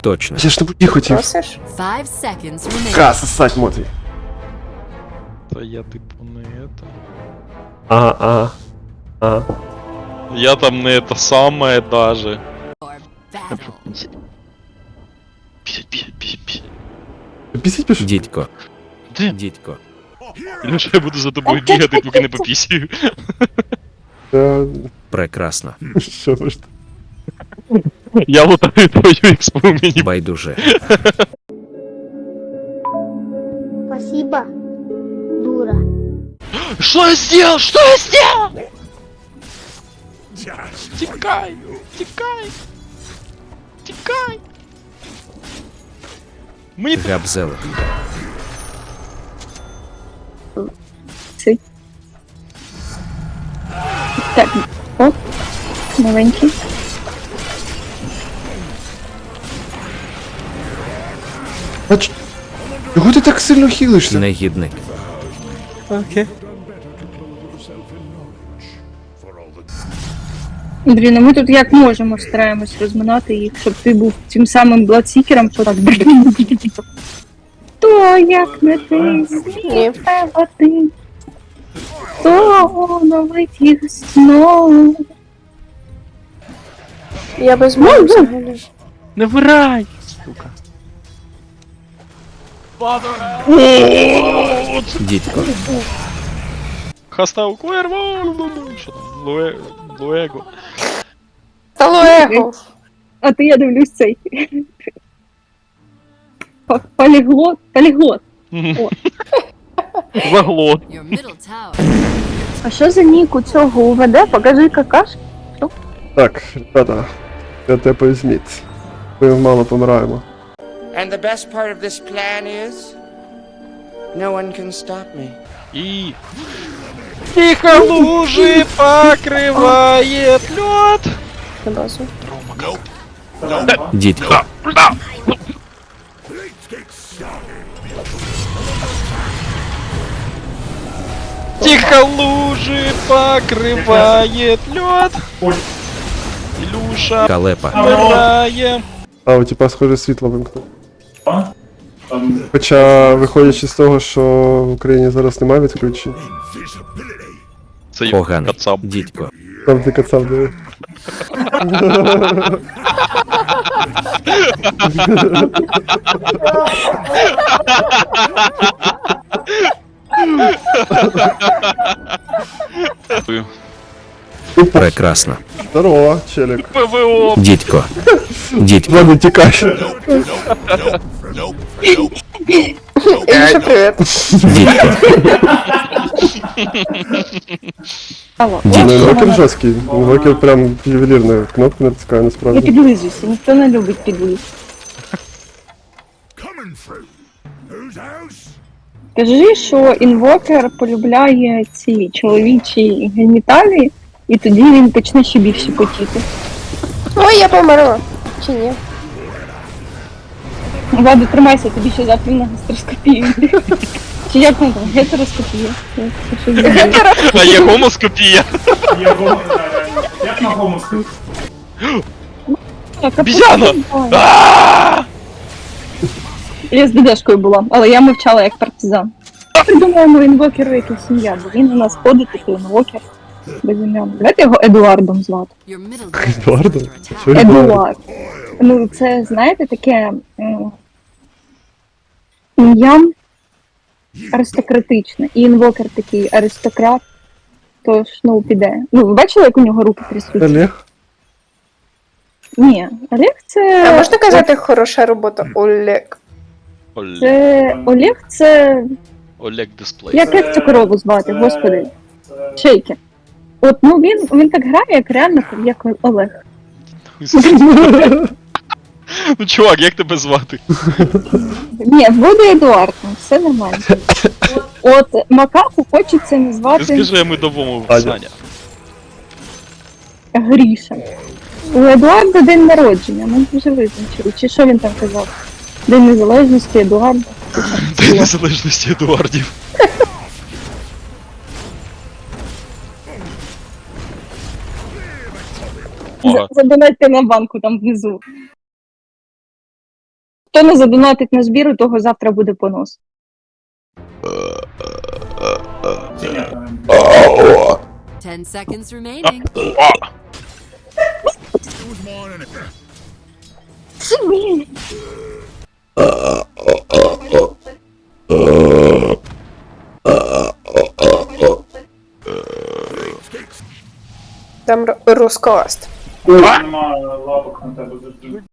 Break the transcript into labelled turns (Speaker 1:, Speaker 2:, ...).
Speaker 1: Точно.
Speaker 2: Я ж на путі хотів.
Speaker 3: Просиш?
Speaker 4: 5 seconds remaining.
Speaker 2: Ка, сосать, Мотвій.
Speaker 5: Та я типу не это.
Speaker 2: Ага.
Speaker 5: Я там не это самое даже.
Speaker 4: Or battle.
Speaker 5: Пісять.
Speaker 2: Пісіть пішов?
Speaker 1: Дідько.
Speaker 5: Де?
Speaker 1: Дідько.
Speaker 5: Ілюша, я буду за тобою бігати, поки не попісію.
Speaker 1: Прекрасно.
Speaker 2: Що ви ж?
Speaker 5: Я лутаю твою експу мені.
Speaker 1: Байдуже.
Speaker 6: Спасибо, дура.
Speaker 5: Что я сделал? Что я сделал? Тикай! Мені
Speaker 1: Габзелик.
Speaker 3: Так, оп, маленький.
Speaker 2: А чого ти так сильно хілишся?
Speaker 1: Негідник.
Speaker 3: Блін, а ми тут як можемо стараємось розминати їх, щоб ти був тим самим бладсікером, що так. То як не ти, Ні. а ти. То оновить їх знову.
Speaker 6: Я без мов взагалі.
Speaker 5: не вирай! Сука.
Speaker 1: Дідько.
Speaker 5: Хастау Куерво! Що там? Луего.
Speaker 6: Талуего.
Speaker 3: А ти, я дивлюсь, цей. Поліглот.
Speaker 5: Заглот.
Speaker 4: Your middle tower.
Speaker 3: А що за нік у цього УВД? Покажи какаш.
Speaker 2: Так, ребята, я тепаю Сміт. Ми мало помираємо.
Speaker 7: And the best part of this plan is no one can stop me.
Speaker 5: И... Тихо лужи покрывает лед.
Speaker 6: На базу.
Speaker 1: Дідько.
Speaker 5: Тихо лужи покрывает лед. Илюша,
Speaker 1: Калепа.
Speaker 5: умираем.
Speaker 2: А, у типа, схоже, світло вимкнув. Хоча, виходячи з того, що в Україні зараз немає відключень,
Speaker 5: Це
Speaker 1: Поганий.
Speaker 5: кацап.
Speaker 1: Дідько.
Speaker 2: там ти кацав диви.
Speaker 1: Прекрасно.
Speaker 2: Здорово, челік.
Speaker 5: ПВО.
Speaker 1: Дідько. Дідько.
Speaker 2: Ладно, тікай.
Speaker 6: Ілюша, привіт.
Speaker 1: Дідько.
Speaker 2: Ну,
Speaker 1: Дідько.
Speaker 2: інвокер жорсткий. Інвокер прям ювелірно кнопку натискає
Speaker 3: Я
Speaker 2: насправді.
Speaker 3: підлизуюся, ніхто не любить підлиз. Кажи, що інвокер полюбляє ці чоловічі геніталії, і тоді він почне ще більше потіти.
Speaker 6: Ой, я померла. Чи ні?
Speaker 3: Владу, тримайся, тобі ще завтра на гастроскопію. Чи як там, гетероскопія? Це щось таке.
Speaker 5: А є гомоскопія.
Speaker 8: Як на гомоску?
Speaker 3: Так, а
Speaker 5: Обізяна!
Speaker 3: потім- Я з ДДшкою була, але я мовчала як партизан. Придумаємо інвокеру якусь ім'я, бо він у нас ходить, такий інвокер. Без ім'я. Давайте його Едуардом звати.
Speaker 4: Your middle tower is
Speaker 2: Едуардо?
Speaker 4: under attack.
Speaker 2: Що Едуард?
Speaker 3: Едуард. Ну, це, знаєте, таке ім'я аристократичне. І інвокер такий аристократ. Тож, ну, піде. Ну, ви бачили, як у нього руки трясуться?
Speaker 2: Олег?
Speaker 3: Ні, Олег це...
Speaker 6: А можна казати хороша робота, Олег?
Speaker 3: Олег це...
Speaker 5: Олег дисплей.
Speaker 3: Як цю корову звати, господи? Шейкер. От, ну він так грає, як реально, як Олег.
Speaker 5: Ну чувак, як тебе звати?
Speaker 3: Ні, буде Едуард, ну, все нормально. От макаку хочеться
Speaker 5: Ти
Speaker 3: назвати
Speaker 5: скажи, а ми домовимо
Speaker 2: Аня.
Speaker 5: Саня.
Speaker 3: Гріша. У Едуарда день народження, ми вже визначили. Чи що він там казав? День незалежності Едуарда.
Speaker 5: День незалежності Едуардів. Ага.
Speaker 3: Задонатьте на банку там внизу. Хто не задонатить на збір, у того завтра буде понос.
Speaker 8: Чи ні, там?
Speaker 4: 10 seconds remaining.
Speaker 3: Блін.
Speaker 6: Там розкост.
Speaker 8: Нема лапок на тебе завжди.